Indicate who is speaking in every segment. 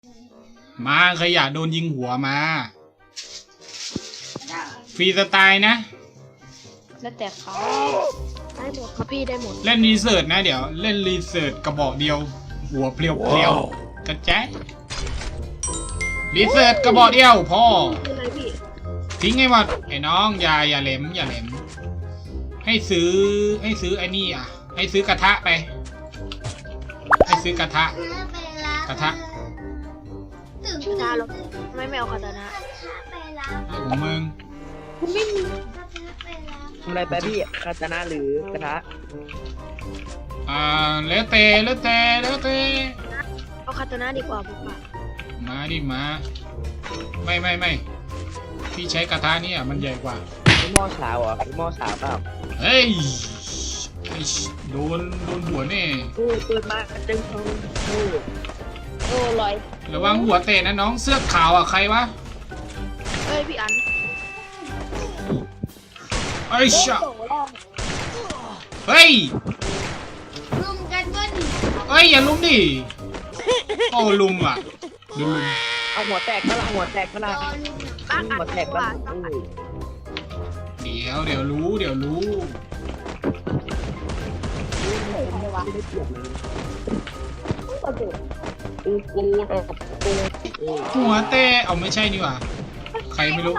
Speaker 1: มาขยะโดนยิงหัวมาฟรีสไตล์นะ
Speaker 2: แล้วแต่เขาได้หมดครับพี่ได้หมด
Speaker 1: เล่นรีเสิร์ชนะเดี๋ยวเล่นรีเสิร์ชกระบอกเดียว หัวเพลียวๆกระแจ๊รีเสิร์ชกระบอกเดียวพ่อ
Speaker 2: คืออะไรพี่
Speaker 1: ทิ้งให้หมดไอ้น้องอย่าเหลมให้ซื้อไอ้นี่อ่ะให้ซื้อกระทะไปให้ซื้อกระทะ
Speaker 2: ชื่อดาหรอไม่เอาคาตานะ
Speaker 1: ของมึง
Speaker 2: ไม่มี
Speaker 3: ทำอะไรไปพี่คาตานะหรือกระทะ
Speaker 1: แล้วแต่
Speaker 2: เอาคาตานะดีกว่าผมว่า
Speaker 1: มาดิมาไม่พี่ใช้กระทะนี่อ่ะมันใหญ่กว่า
Speaker 3: พี่หม้อสาวเหรอพี่หม้อสาวเปล่า
Speaker 1: เฮ้ยโดนหัวแน่
Speaker 3: โอ้เปิดมาจึงทองโอ้
Speaker 2: ลอย
Speaker 1: ระวังหัวเตะนะน้องเสื้อขาวอ่ะใครวะ
Speaker 2: เอ้ยพี่อัน
Speaker 1: ไอ้ชะเฮ้ย
Speaker 4: รุมกันก็ดี
Speaker 1: เฮ้ยอย่าลุมดิโอ้ลุมอ่ะดูลุม
Speaker 3: เอาหัวแตกก็ละหัวแตกก็ละ
Speaker 2: บ้าน
Speaker 3: หัวแตกก็ละ
Speaker 1: เดี๋ยวรู้
Speaker 3: กู
Speaker 1: หัวเตะเอาไม่ใช่นี่หว่าใครไม่รู้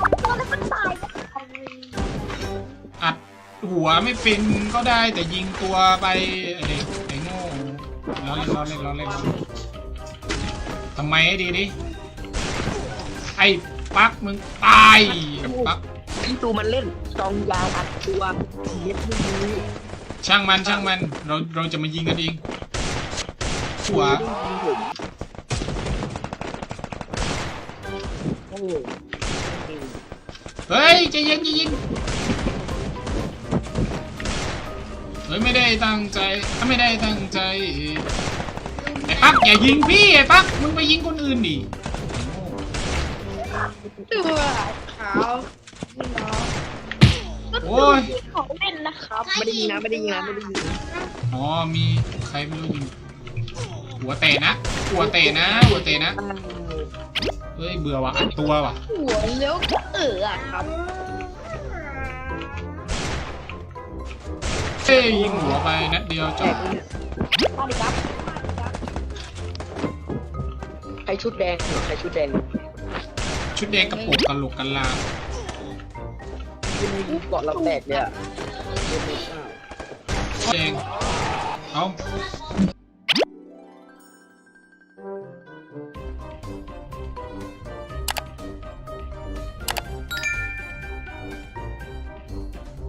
Speaker 1: อัดหัวไม่เป็นก็ได้แต่ยิงตัวไปไอ้โง่ล้อเล่นทำไมให้ดีดิไอ้ปักมึงตายปัก
Speaker 3: ที่ตูมันเล่นซองยาวอัดตัวเย็บไม่ดี
Speaker 1: ช่างมันเราจะมายิงกันเองหัว
Speaker 3: โอ้
Speaker 1: เฮ้ยใจเย็นเฮ้ยไม่ได้ตั้งใจไอ้ปักอย่ายิงพี่ไอ้ปักมึงไปยิงคนอื่นดิ
Speaker 2: ตัวขาว
Speaker 1: โอ้ย
Speaker 2: ของเล่นนะครับ
Speaker 3: ไม่ได้ยิงนะ
Speaker 1: อ๋อมีใครไม่รู้ยิงหัวเตะนะเฮ้ยเบื่อว่ะอัดตัวว่ะ
Speaker 2: หัวเลี้ยวอะครับ
Speaker 1: เฮ้ยยิงหัวไปนัดเดียวจบ
Speaker 2: มาดิครับ
Speaker 3: ใครชุดแดงใครชุดแดง
Speaker 1: ชุดแดงกระโปรงกะโหลกกะลา
Speaker 3: ที่มีเกาะเราแตกเนี่ย
Speaker 1: แดงเอา